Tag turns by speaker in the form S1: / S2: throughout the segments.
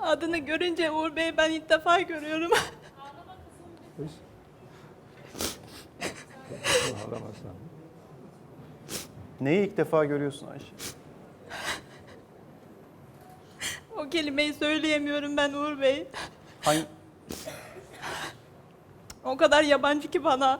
S1: Adını görünce Uğur Bey'i ben ilk defa görüyorum.
S2: Ağlamazsan. Neyi ilk defa görüyorsun Ayşe?
S1: O kelimeyi söyleyemiyorum ben Uğur Bey.
S2: Hangi...
S1: O kadar yabancı ki bana.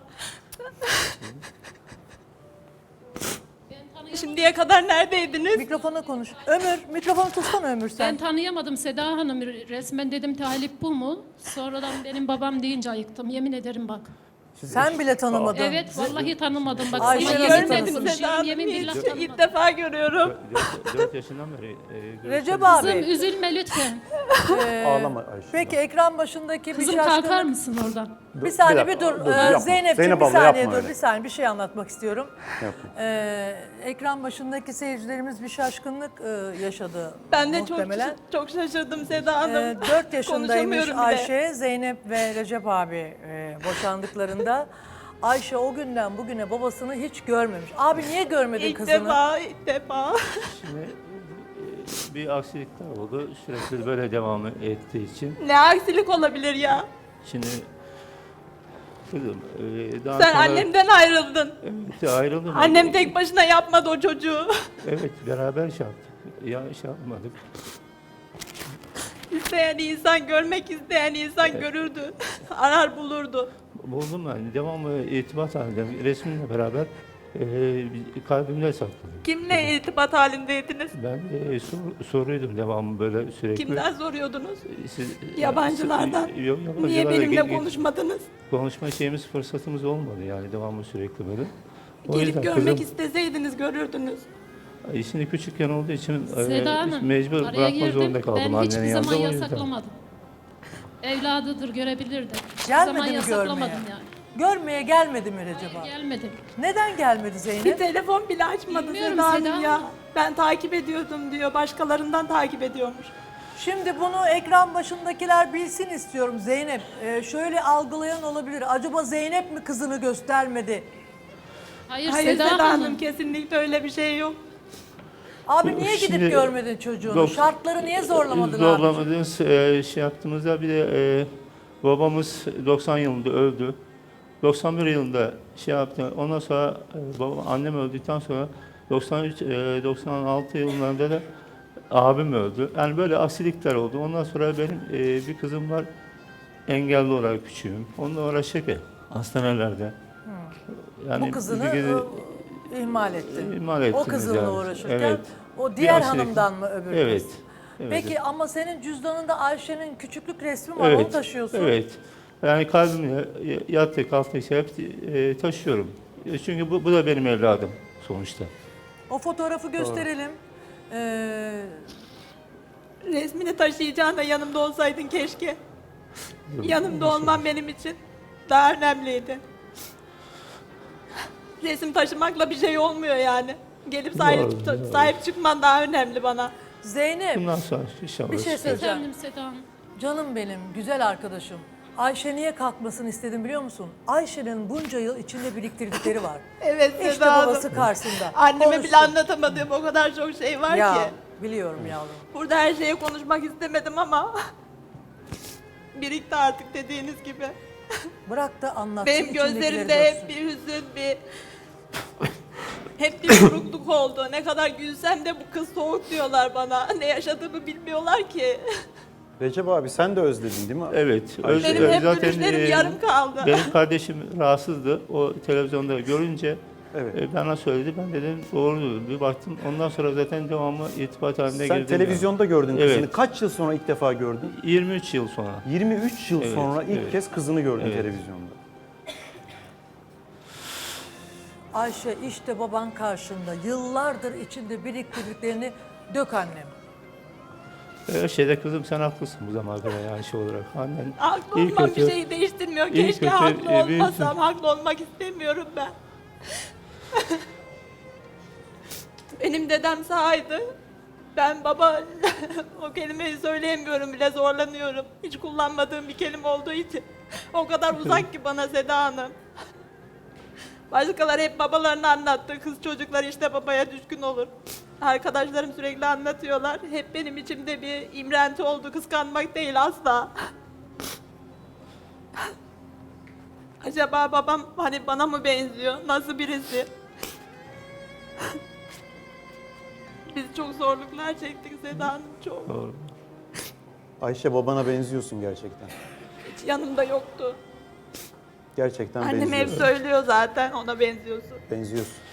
S1: Şimdiye kadar neredeydiniz?
S3: Mikrofona konuş. Ömür, mikrofonu tutsana Ömür sen.
S4: Ben tanıyamadım Seda Hanım. Resmen dedim Talip bu mu? Sonradan benim babam deyince ayıktım. Yemin ederim bak.
S3: Sen bile tanımadın.
S4: Evet vallahi tanımadım. Bak
S3: Ayşe
S4: sana
S3: nasıl
S4: yemin
S3: tanısın?
S4: konuşuyorum.
S1: Seda Hanım
S4: Yemin billah
S1: hiç
S4: tanımadım.
S1: ilk defa görüyorum.
S2: 4 yaşından beri
S3: Recep
S4: Kızım
S3: abi.
S4: üzülme lütfen.
S2: ağlama Ayşe.
S3: Peki ekran başındaki bir
S4: Kızım kalkar
S3: şaşkınlık.
S4: mısın oradan?
S3: Bir saniye bir
S2: dakika,
S3: dur.
S2: yapma.
S3: Zeynep'ciğim
S2: Zeynep
S3: bir
S2: abla,
S3: saniye
S2: yapma
S3: dur.
S2: öyle.
S3: Bir saniye bir şey anlatmak istiyorum.
S2: Yapma.
S3: Ekran başındaki seyircilerimiz bir şaşkınlık yaşadı
S1: Ben de
S3: muhtemelen.
S1: çok şaşırdım Seda Hanım.
S3: 4 yaşındaymış
S1: Konuşamıyorum bile.
S3: Ayşe, Zeynep ve Recep abi boşandıklarında. Ayşe o günden bugüne babasını hiç görmemiş. Abi niye görmedin
S1: İlk
S3: kızını?
S1: ilk defa.
S2: Şimdi bir aksilikler oldu. Sürekli böyle devam ettiği için.
S1: Ne aksilik olabilir ya?
S2: Şimdi kızım daha
S1: Sen
S2: sonra...
S1: annemden ayrıldın.
S2: Evet ayrıldım.
S1: Annem tek başına yapmadı o çocuğu.
S2: Evet beraber şey yaptık. Ya şey yapmadık.
S1: İsteyen insan, görmek isteyen insan görürdü. Arar bulurdu.
S2: Buldum ben. Devamlı irtibat halinde resminle beraber kalbimde sakladım.
S1: Kimle irtibat halindeydiniz?
S2: Ben soruydum devamlı böyle sürekli.
S1: Kimden soruyordunuz?
S2: Siz,
S1: Yabancılardan.
S2: Yok, yabancılarla
S1: Niye benimle
S2: gel-
S1: konuşmadınız?
S2: Konuşma şeyimiz, fırsatımız olmadı yani devamlı sürekli böyle. O
S1: Gelip
S2: yüzden
S1: görmek
S2: kızım,
S1: isteseydiniz görürdünüz.
S2: şimdi küçükken olduğu için
S4: Seda Hanım
S2: mecbur
S4: araya
S2: bırakma zorunda
S4: girdim.
S2: kaldım
S4: Ben hiçbir
S2: annenin yanında.
S4: zaman
S2: O yüzden.
S4: yasaklamadım. Evladıdır görebilirdi. Hiçbir
S3: Gelmedi
S4: zaman
S3: mi
S4: yasaklamadım
S3: görmeye?
S4: yani.
S3: Görmeye gelmedi mi Recep abi?
S4: Gelmedi.
S3: Neden gelmedi
S1: Bir
S3: Zeynep?
S1: telefon bile açmadı
S4: Bilmiyorum
S1: Seda
S4: Seda
S1: Hanım ya.
S4: Hanım.
S1: Ben takip ediyordum diyor. Başkalarından takip ediyormuş.
S3: Şimdi bunu ekran başındakiler bilsin istiyorum Zeynep. Şöyle algılayan olabilir. Acaba Zeynep mi kızını göstermedi?
S4: Hayır,
S1: Hayır
S4: Seda,
S1: Seda Hanım
S4: Hanım.
S1: kesinlikle öyle bir şey yok.
S3: Abi niye gidip
S2: Şimdi-
S3: görmedin çocuğunu?
S2: Yok.
S3: Şartları niye zorlamadın abi?
S2: Zorlamadığınız şey yaptığımızda bir de babamız 90 yılında öldü. 91 yılında şey yaptı. Ondan sonra annem öldükten sonra 93 96 yıllarında da abim öldü. Yani böyle aksilikler oldu. Ondan sonra benim bir kızım var. Engelli olarak küçüğüm. Onunla uğraşacak hastanelerde. Yani
S3: Bu kızını
S2: bir gece
S3: ihmal ettin.
S2: ihmal
S3: O
S2: ettiniz
S3: kızınla
S2: yani.
S3: uğraşırken
S2: Evet.
S3: o diğer
S2: Bir aksilik-
S3: hanımdan mı öbür
S2: Evet.
S3: kız?
S2: Evet.
S3: Peki ama senin cüzdanında Ayşe'nin küçüklük resmi var, onu taşıyorsun.
S2: Evet. Yani kalbimle yattı kalktı şey hep taşıyorum. Çünkü bu da benim evladım sonuçta.
S3: O fotoğrafı gösterelim.
S1: Resmini taşıyacağına yanımda olsaydın keşke. Yanımda olman benim için daha önemliydi. Resim taşımakla bir şey olmuyor yani. Gelip
S2: Doğru.
S1: sahip çıkman daha önemli bana.
S3: Zeynep,
S2: Bundan sonra inşallah.
S3: bir şey söyleyeceğim.
S4: Efendim Seda Hanım.
S3: Canım benim, güzel arkadaşım. Ayşe niye kalkmasını istedim biliyor musun? Ayşe'nin bunca yıl içinde biriktirdikleri var.
S1: Evet
S3: İşte
S1: Seda Hanım.
S3: babası karşısında.
S1: Anneme
S3: Konuşsun.
S1: bile anlatamadığım o kadar çok şey var
S3: Ya
S1: ki.
S3: biliyorum yavrum.
S1: Burada her şeye konuşmak istemedim ama birikti artık dediğiniz gibi.
S3: Bırak da anlatsın.
S1: Benim
S3: içindekileri
S1: gözlerimde
S3: görsün.
S1: hep bir hüzün, hep bir burukluk oldu. Ne kadar gülsem de bu kız soğuk diyorlar bana. Ne yaşadığımı bilmiyorlar ki.
S2: Recep abi sen de özledin değil mi? Evet.
S1: Benim hep dönüşlerim yarım kaldı.
S2: Benim kardeşim rahatsızdı. O televizyonda görünce bana söyledi. Ben dedim doğru bir baktım. Ondan sonra zaten devamlı irtibat halinde girdim.
S5: Sen televizyonda gördün
S2: Evet.
S5: kızını. Kaç yıl sonra ilk defa gördün?
S2: 23 yıl sonra.
S5: 23 yıl
S2: Evet,
S5: sonra ilk
S2: evet.
S5: kez kızını gördün
S2: Evet.
S5: televizyonda.
S3: Ayşe işte baban karşında. Yıllardır içinde biriktirdiklerini dök annem.
S2: Her şeyde kızım sen haklısın bu zamana kadar yani şey olarak. Annen
S1: Haklı
S2: iyi
S1: olmak bir
S2: kötü-
S1: şeyi değiştirmiyor.
S2: iyi
S1: Keşke
S2: kötü,
S1: haklı
S2: büyüksün.
S1: olmasam. Haklı olmak istemiyorum ben. Benim dedem sahaydı. Ben baba o kelimeyi söyleyemiyorum bile zorlanıyorum. Hiç kullanmadığım bir kelime olduğu için. O kadar uzak ki bana Seda Hanım. Başkaları hep babalarını anlattı. Kız çocuklar işte babaya düşkün olur. Arkadaşlarım sürekli anlatıyorlar. Hep benim içimde bir imrenti oldu. Kıskanmak değil asla. Acaba babam hani bana mı benziyor? Nasıl birisi? Biz çok zorluklar çektik Seda Hanım, çok.
S2: Doğru.
S5: Ayşe, babana benziyorsun gerçekten.
S1: Hiç yanımda yoktu.
S5: Gerçekten
S1: Annem hep
S5: benziyorsun.
S1: söylüyor zaten, ona benziyorsun.
S5: Benziyorsun.